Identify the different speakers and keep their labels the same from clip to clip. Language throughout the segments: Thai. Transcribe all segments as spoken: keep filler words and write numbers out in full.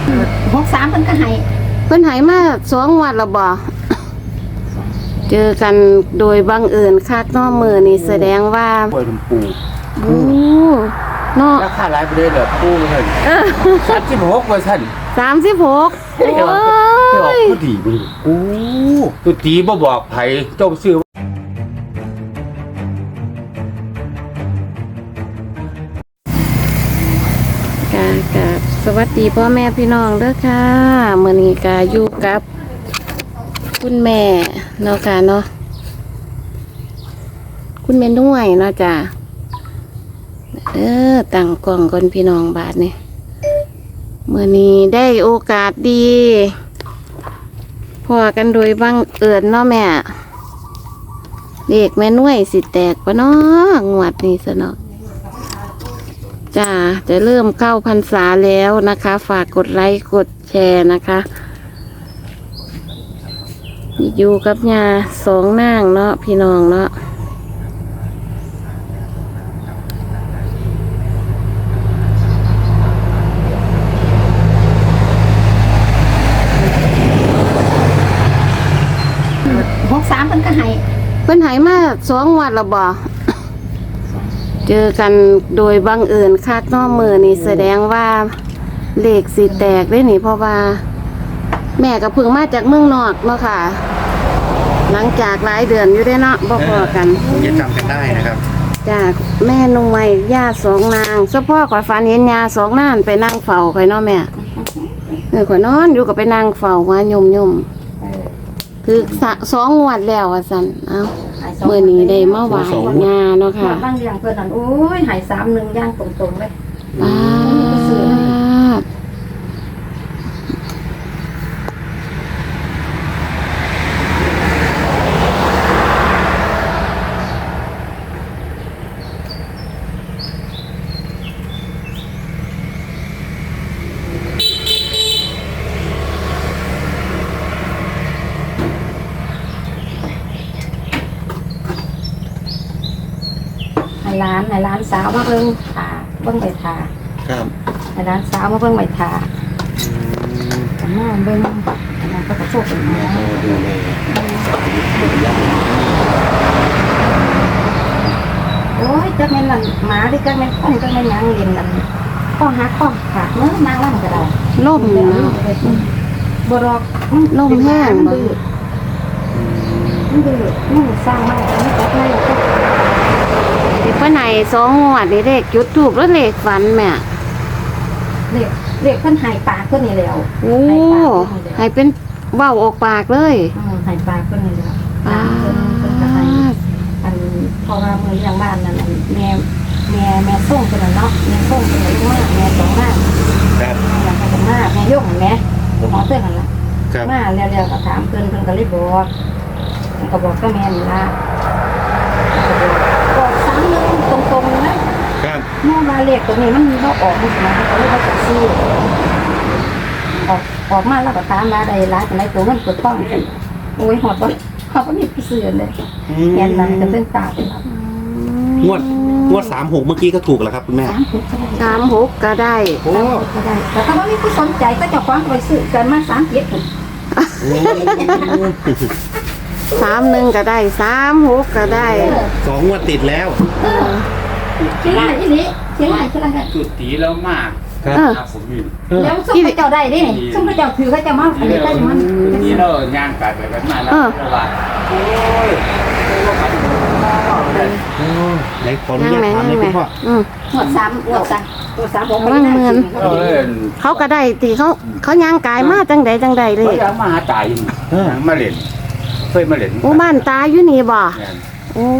Speaker 1: หกสามเพิ่นก็ให้
Speaker 2: เพิ่นให้มาสองงวดแล้วบ่เจอกันโดยบังเอิญคักเนาะมื้อนี้แสดงว่า
Speaker 3: ป่วยลำปู
Speaker 2: โอ้เนาะ
Speaker 3: ราคาหลายไปเลยเหรอปูเพิ่นเออสามสิบหกเปอร์เซ็นต์
Speaker 2: สามสิบหกโอ้
Speaker 3: ยผู้ดีบ่โอ้ตัวตีบ่บอกไผเจ้าซื้อก
Speaker 2: ะกะสวัสดีพ่อแม่พี่น้องเด้อค่ะมื้อนี้ก็อยู่กับคุณแม่เนาะค่ะเนาะคุณแม่นุ่ยเนาะจ้ะเออตั้งกล้องก่อนพี่น้องบาดนี่มื้อนี้ได้โอกาสดีพอกันโดยบังเอิญเนาะแม่เด็กแม่นุ่ยสิแตกปะเนาะงวดนี้ซะเนาะจ้าจะเริ่มเข้าพรรษาแล้วนะคะฝากกดไลค์กดแชร์นะคะอยู่กับยาสองนางเนาะพี่น้องเนาะ
Speaker 1: หกสามเพิ่นก็ให้
Speaker 2: เพิ่นให้มาสองงวดแล้วบ่เจอกันโดยบังเอิญคักเนาะมื้อนี้แสดงว่าเลขสิแตกได้นี่เพราะว่าแม่ก็เพิ่งมาจากเมืองนอกเนาะค่ะหลังจากหลายเดือนอยู่ได้เนาะบ่พอกัน
Speaker 3: ยังจำกันได้นะครับ
Speaker 2: จากแม่นุ่ยย่าสองนางเฉพาะข่อยฝันเห็นย่าสองนางไปนั่งเฝ้าข่อยเนาะแม่เออข่อยนอนอยู่ก็ไปนั่งเฝ้าว่ายมๆคือสองงวดแล้วว่าซั่นเอ้ามื้อนี้ได้มาไหว้ย่าเนาะค่ะ
Speaker 1: บางอย่างเพิ่นนั่นโอ้ยให้สามหนึ่งย่างตรงๆเลย
Speaker 2: อ่า
Speaker 1: ให้ร้านให้ร้านสาวมาเบิ่งทาเบิ่งใบทา
Speaker 3: ครับ
Speaker 1: ให้ร้านสาวมาเบิ่งใบทาอืมมาเบิ่งอันนั้นก็กระโชกเป็นหมอ
Speaker 3: ดูเลย
Speaker 1: โอ้ยจักแม่นนั่นหมาหรือจักแม่นคนจักแม่นหยังเล่นนั่นข้อหักข้อขาดเนื้อนางล่ำก็ได้
Speaker 2: ล่มเนาะ
Speaker 1: บ่ดอก
Speaker 2: ล่มแห้งบ่
Speaker 1: มันดื้อมันสร้างมามันจับได้ก็
Speaker 2: ที่เพิ่นให้สองงวดนี่เลขจุดทูปแล้วเลขฝันแม่
Speaker 1: เรียกเรียกเพิ่นหายปากเพิ่นนี่แล้ว
Speaker 2: โอ้ให้เป็นเว้าออกปากเลย
Speaker 1: อือหายปากเพิ่นนี่แล้ว
Speaker 2: อ่า
Speaker 1: เพิ่นก็ให้อันพอว่ามื้ออย่างบ้านนั่นแม่แม่แม่ส่งเพิ่นน่ะเนาะแม่ส่งเพิ่นมาแม่สองมา
Speaker 3: ครับ
Speaker 1: แม่ก็มาแม่ยกแม่หมอเตือนนั่นล่ะมาแล้วๆก็ถามเพิ่นเพิ่นก็เลยบอกเพิ่นก็บอกกับแม่นี่ล่ะบอกซ้ำนึงตรงๆนะครับเมื่อมาเลขตัวนี้มันบ่ออกมันสิมาเขาเลยบ่จักซื้อออกออกมาแล้วก็ตามมาได้หลายปานใดตัวมันกดต้องกันโอ้ยหอดบ่เฮาบ่มีผู้ซื้อเลยแม่นนั้นก็เป็นตาเป็นครับ
Speaker 3: งวดงวดสามหกเมื่อกี้ก็ถูกแล้วครับคุณแม่
Speaker 2: สามหกก็ได้
Speaker 1: โอ้ก็ได้แต่ถ้าว่ามีผู้สนใจก็เจ้าของไปซื้อกันมาสามเจ็ดพุ่น
Speaker 2: สามหนึ่งก็ได้สามหกก็ได้
Speaker 3: สองงวดติดแล้ว
Speaker 1: เชียงรายที่นี้เชียงรายเชียงราย
Speaker 3: จุดตีแล้วมาก
Speaker 1: ครับผมนี่แล้วส่งไปเจ้าได้ดิส่งไปเจ้าถือเขาจะมาอันนี้ได้มัน
Speaker 3: นี่เราย่างกัดไปกันมาแล้วว่าโอ้ยไหนขออนุญาตถามเลยคุณพ่อ
Speaker 1: หมดสามหมดสามหมดสามหก
Speaker 2: บางเมือนเขาก็ได้ตีเขาเขาย่างกายมาจังใดจังใดเลย
Speaker 3: เขามาหาตายมาเล่นเคยมาเล่น
Speaker 2: โอ้บ้านตาอยู่นี่บ่โอ้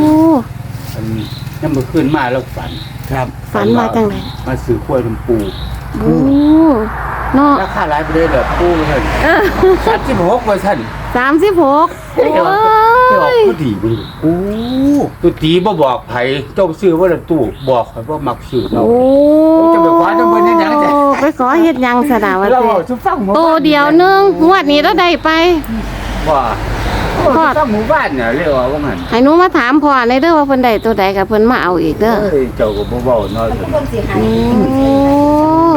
Speaker 3: ยังเมื่อคืนมาแล้วฝัน
Speaker 2: ครับฝันมาจังไหน
Speaker 3: มาซื้อข้วยลำปู
Speaker 2: โอ้เนาะ
Speaker 3: ราคาหลายไปเลยเหรอปูเพิ่นสามสิบหกเปอร์เซ็นต์
Speaker 2: สามสิบหกโอ้
Speaker 3: ยผู้ดีบ่โอ้ตัวตีบ่บอกไผเจ้าซื้อว่าละตู้บอกข่อยบ่มักซื้อเนาะโอ้จะไปขอจังเพิ่นเฮ็ดหยังจ้ะ
Speaker 2: ไปขอเฮ็ดหยังซะดาว่า
Speaker 3: เราสิฟัง
Speaker 2: โตเดียวนึงงวดนี้เราได้ไป
Speaker 3: ว่าพ่อต้องหมู่บ้านเนี่ยเรียกว่าว่างั้น
Speaker 2: ให้หนูมาถามพ่อในเด้อว่าเพิ่นได้ตัวใดก็เพิ่นมาเอาอีกเด้อ
Speaker 3: เอ้ยเจ้าก็บ่เว้าน้อยเพิ่น
Speaker 2: โอ้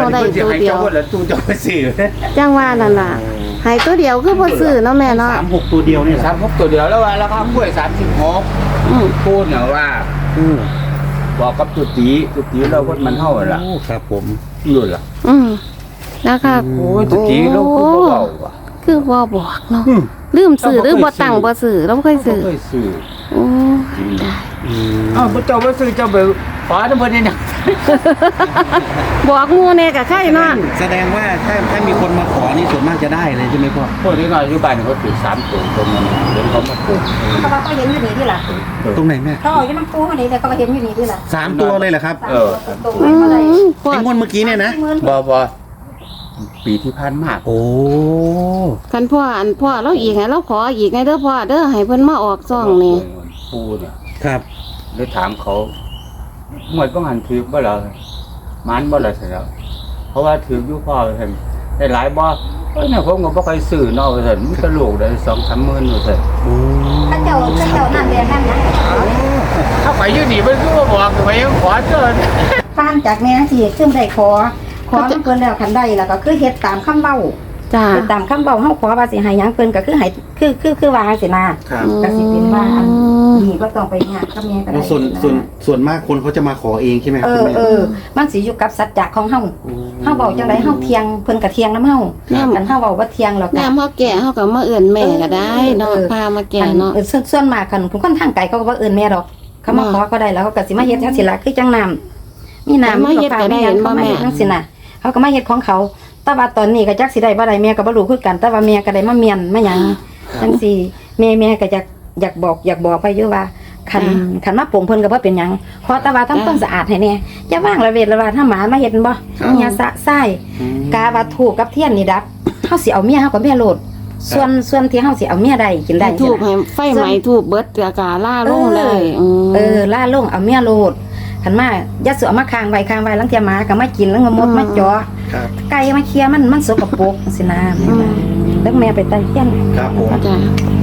Speaker 2: ได้
Speaker 3: พิ่นสิ
Speaker 2: ตัว
Speaker 3: ให้
Speaker 2: เดียว
Speaker 3: เจ้าบ่ล่ะตู้เจ้าไปซื้อ
Speaker 2: จังว่านั่นล่ะให้ตัวเดียวคือบ่ซื้อเนาะแม่เนาะ
Speaker 4: สามหกตัวเดียวนี่แหละ
Speaker 3: สามหกตัวเดียวแล้วว่าราคากล้วยสามสิบหก
Speaker 2: อืม
Speaker 3: พูดเนี่ยว่า
Speaker 4: อืม
Speaker 3: บอกกับตุตีตุตีเราคนมันเท่าล่ะ
Speaker 4: โอ้ครับผม
Speaker 3: อยู่ล่ะ
Speaker 2: อืมแล้วค่ะ
Speaker 3: โอ้ยตุตีเราคือบ่เบาว่ะ
Speaker 2: คือบ่บอกเนาะ
Speaker 3: อืม
Speaker 2: ลืมซื้อหรือบ่ตั้งบ่ซื้อเราบ่เคยซื้อ
Speaker 3: บ่เคยซื้อ
Speaker 2: โอ้ได้
Speaker 4: อืม
Speaker 3: อ้าวบ่เจ้าบ่ซื้อเจ้าไปขอน้ำเพิ่นนี่นะ
Speaker 2: บอกหมู่แน่ก็ใครเนาะ
Speaker 4: แสดงว่าถ้าถ้ามีคนมาขอนี่ส่วนมากจะได้เลยใช่ไหมพ่อ
Speaker 3: พวกนี้น้อยอยู่บ้านเขาถือสามตัวตรงนั้นเดี๋ยวเขามาปลูก
Speaker 1: เพราะว่าเขาเห็นอยู่นี่ที่ล่ะ
Speaker 4: ตรงไหนแม่
Speaker 1: เขาเอาอยู่น้ำปูเขานี่แต่เขาก็เห็นอยู่นี่ที่ล่ะ
Speaker 4: สามตัวเลยเหรอครับ
Speaker 3: เออ
Speaker 1: ตรง
Speaker 2: อื
Speaker 1: ไหนมาได้
Speaker 2: มพ่อ
Speaker 4: ไอ้งวดเมื่อกี้เนี่ยนะ
Speaker 3: บ่บ่ปีที่ผ่านมา
Speaker 4: โอ้
Speaker 2: คันพ่ออันพ่อเราอีกให้เราขออีกไงเด้อพ่อเด้อให้เพิ่นมาออกซ่องนี่
Speaker 3: ปูเนี่ย
Speaker 4: ครับ
Speaker 3: เลยถามเขาหมดต้องหันถือบ่ล่ะมันบ่ล่ะเสร็จแล้วเพราะว่าถืออยู่พ่อเห็นได้หลายบ่เอ้ยเนี่ยผมก็บ่ค่อยซื้อเนาะเห็นมันก็ลูกได้สองสามหมื่นอยู่เถอะ
Speaker 4: โอ้
Speaker 1: ข้าเจ้าข้าเจ้านั่นเรียนนั่นนะ
Speaker 3: ถ้าไปอยู่นี่มันคือว่าบอกไปยังขอเกิน
Speaker 1: ฟังจากแม่สิขึ้นได้ขอขอน้ำเพิ่นแล้วคันได้แล้วก็คือเฮ็ดตามคำเว้า
Speaker 2: จ้า
Speaker 1: เฮ็ดตามคำเว้าเฮาขอว่าสิให้หยังเพิ่นก็คือให้คือคือคือว่าสินะครับ ก็สิเป็นว่าอันนี้ก็ต้องไปหากับแม่ก็ได้
Speaker 4: ส่วนส่วนส่วนมากคนเขาจะมาขอเองใช่ไหมค
Speaker 1: เอ
Speaker 4: รับคุณแม่
Speaker 1: อเออมันสิอยู่กับสัจจะของเฮา
Speaker 4: โอ้
Speaker 1: เฮาเว้าจังไดเฮาเที่ยงเพิ่นก็เที่ยงนำเฮา
Speaker 2: ครับ
Speaker 1: อันเฮาเว้าบ่เที่ยงแล้วก็
Speaker 2: น้ำเฮาแก่เฮาก็มาเอิ้นแม่ก็ได้เนาะพามาแก่เนาะ
Speaker 1: เออส่วนส่วนมากคันผู้คนทางไกลเขาก็บ่เอิ้นแม่ดอกเขามาขอก็ได้แล้วเขาก็สิมาเฮ็ดจังซี่ล่ะคือจังน้ำมีน้ำ
Speaker 2: มาเฮ็ดก็ได้
Speaker 1: มี
Speaker 2: เห็นบ่
Speaker 1: เขามา
Speaker 2: แม่
Speaker 1: เฮ็ดจังซี่น่ะเขาก็มาเฮ็ดของเขาแต่ว่าตอนนี้ก็จักสิได้บ่ได้แม่ก็บ่รู้คือกันแต่ว่าแม่ก็ได้มาเมียนมาหยังจังซี่แม่แม่ก็อยากอยากบอกอยากบอกไปอยู่ว่าคันคันมาปลงเพิ่นก็บ่เป็นหยังขอแต่ว่าทำความสะอาดให้แน่อย่าว่างระเวทระวาถ้าหมามาเฮ็ดบ่อย่าสะไส้กาว่าถูกกับเทียนนี่ดับเฮาสิเอาเมียเฮาก็เมียโลดส่วนส่วนที่เฮาสิเอาเมียได้กินได้
Speaker 2: ให้ถูกให้ไฟไหม้ถูกเบิดกะกาล่าลงเลยม
Speaker 1: เออล่าลงเอาเมียโลดคันมาอย่าเสือมาค้างไว้ค้างไว้ลังเทียหมาก็มากินแล้วก็มดมาจ่อ
Speaker 4: ครับ
Speaker 1: ไก่มาเคลียร์มันมันสกปรกสินะแม่ว่าแล้วแม่ไปไต่เทียน
Speaker 4: ครับผม
Speaker 2: จ้า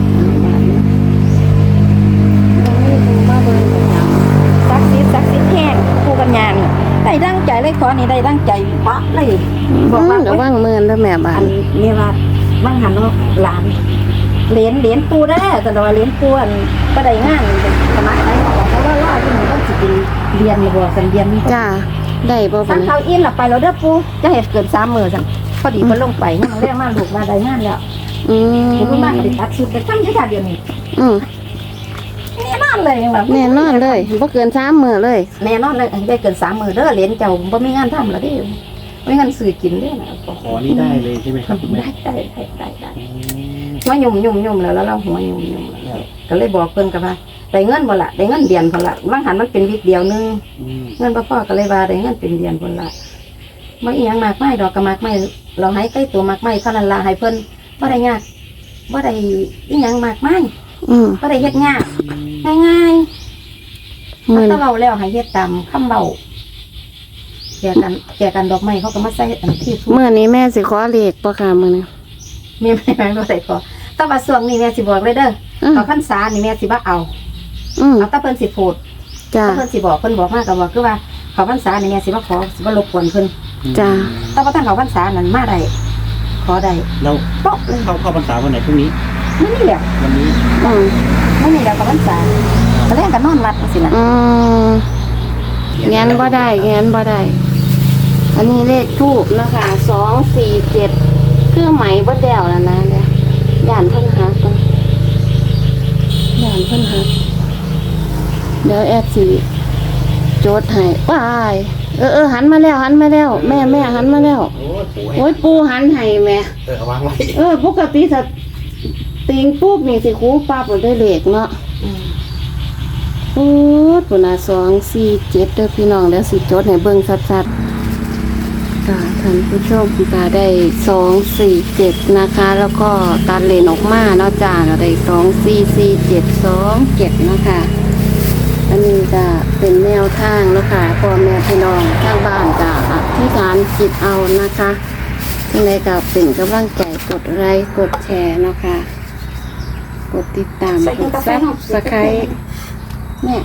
Speaker 1: ซักซิดซักซิดแห้งคู่กันยางได้ดังใจเลยขอนี่ได้ดังใจปะเลยบอกว่า
Speaker 2: เดี๋ยวว่างเมินแล้วแม่บ้า
Speaker 1: อั
Speaker 2: น
Speaker 1: นนี้ว่าว่างหันเนาะหลานเหรียญเหรียญปูได้แต่ว่าเหรียญปูอันก็ได้งานสมัยไหนบอกเขาว่าล่อที่มันต้องสิเป็นเรียนบ่สันเรียน
Speaker 2: จ้าได้บ่
Speaker 1: สั
Speaker 2: บั
Speaker 1: น
Speaker 2: ด
Speaker 1: เขาอินหลับไปเราเด้อปูจะเห็ดเกินสามมือสั่งพอดีเพิ่นลงไปเนี่ยมันเรียกมาลูกมาได้งานแล้ว
Speaker 2: อืม
Speaker 1: ผมมากก็ได้ตัดชุดไปทำแค่เดียวนี้
Speaker 2: อืม
Speaker 1: แน่นอนเลยแบบ
Speaker 2: แน่นอนเลยบ่เกินสามมื้อเลย
Speaker 1: แน่นอนเลยได้เกินสามมือเด้อเหรียญเจ้าบ่มีงานทำแล้วเด้ไม่งานสื่อกินเด้อนะ
Speaker 4: ขอนี่ได้เลยใช่ไหมครับคุณแม่
Speaker 1: ได้ได้ได้ได้ได้มายุ่มยุ่มยุ่มแล้วแล้วเราหัวยุ่มยุ่มแล้วก็เลยบอกเพิ่นกับว่าได้เงินบ่ละได้เงินเดือนพอละบางหันมันเป็นวิกเดียวนึง
Speaker 4: อืม
Speaker 1: เงินบ่พอก็เลยว่าได้เงินเป็นเดือนพอละบ่อีหยังมากมายดอกก็มากมายเราให้ใกล้ตัวมากมายเท่านั้นล่ะให้เพิ่นบ่ได้ยากบ่ได้อีหยังมากมาย
Speaker 2: อืม
Speaker 1: บ่ได้เฮ็ดยากง่ายๆ
Speaker 2: มื้อ
Speaker 1: ถ้าเว้าแล้วให้เฮ็ดตามคำเว้าแจกกันแจกกันดอกไม้เขาก็มาใส่อันที่สุด
Speaker 2: มื้อนี้แม่สิขอเลขบ่ค่ะมื้อนี้
Speaker 1: แม่ไม่ไม่บ่ได้ขอแต่ว่าช่วงนี้แม่สิบอกเลยเด้อ
Speaker 2: อืม
Speaker 1: เอาพรรษานี่แม่สิบ่เอา
Speaker 2: อืม
Speaker 1: เอาแต่เพิ่นสิพูด
Speaker 2: จ้า
Speaker 1: ถ้าเพิ่นสิบอกเพิ่นบอกมาก็บอกคือว่าเขาพรรษานี่แม่สิบ่ขอสิบ่รบกวนเพิ่น
Speaker 2: จ้า
Speaker 1: แต่ว่าถ้าเขาพรรษานั้นมาได้ขอได้
Speaker 4: แล้ว
Speaker 1: โป๊ะเลย
Speaker 4: เข้าเข้าพรรษาวันไหนพรุ่งนี้
Speaker 1: ไม่มีแล้ว
Speaker 4: วันนี้
Speaker 2: อืม
Speaker 1: ไม่มีแล้วเขาพรรษาก็แล่นกันนอนวัดจังซี่นะ
Speaker 2: อืมแงนบ่ได้แงนบ่ได้ อันนี้เลขทูบนะคะสองสี่เจ็ดคือไหมบ่แดวแล้วนะเนี่ยย่านเพิ่นหักก่อนย่านเพิ่นหักเดี๋ยวแอดสิโจทย์ให้ว้ายเออเออหันมาแล้วหันมาแล้ว แม่แม่หันมาแล้ว
Speaker 4: โอ้โห
Speaker 2: โอ้ยปูหันให้แม่
Speaker 4: เออเอาวางไว้
Speaker 2: เออปกติถ้าติงปุ๊บนี่สิครูปั๊บบ่ได้เลขเนาะ
Speaker 1: อืม
Speaker 2: โอ้ปุ่นน่ะสองสี่เจ็ดเด้อพี่น้องแล้วสิจดให้เบิ่งชัดๆค่ะท่านผู้ชมก็ได้สองสี่เจ็ดนะคะ แล้วก็ตัดเลนออกมาเนาะจ้าก็ได้สองสี่สี่เจ็ดสองเจ็ดนะคะอันนี้จะเป็นแนวทางแล้วค่ะพ่อแม่พี่น้องทางบ้านจะอธิษฐานจิตเอานะคะยังไงก็เป็นกำลังใจกดไลค์กดแชร์เนาะค่ะกดติดตามกดซับสไครต์เนี่ย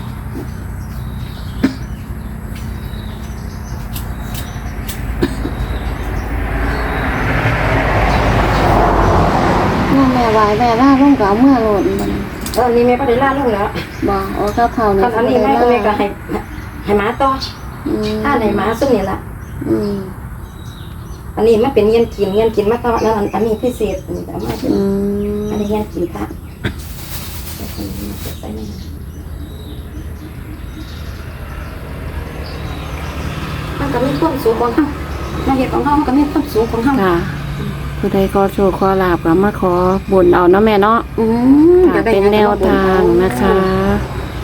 Speaker 2: วายแม่ล่าลงกับเมื่อโหลดมัน
Speaker 1: ตอนนี้แม่ก็ได้ล่าลงแล้ว
Speaker 2: บ่โอ้กับเขา
Speaker 1: ต
Speaker 2: นี่
Speaker 1: อนอันนี้แม่ก็แม่ก็ให้ให้หมาต่อ
Speaker 2: อืม
Speaker 1: ถ้าให้หมาซุ่มนี่ล่ะ
Speaker 2: อืม
Speaker 1: อันนี้มันเป็นเงี้ยนกินเงี้ยนกินมาต่อนั่นอันนี้พิเศษอันนี้แต่ไม่เป็น
Speaker 2: อืม
Speaker 1: อันนี้เงี้ยนกินค่ะมันก็มีความสูงของเฮามาเฮ็ดของเฮามันก็มีความสูงของเฮา
Speaker 2: ค่ะผู้ใดขอโชคขอลาบก็มาขอบุญเอาเนาะแม่เนาะ
Speaker 1: อืม
Speaker 2: ค่ะเป็นแนวทางนะคะ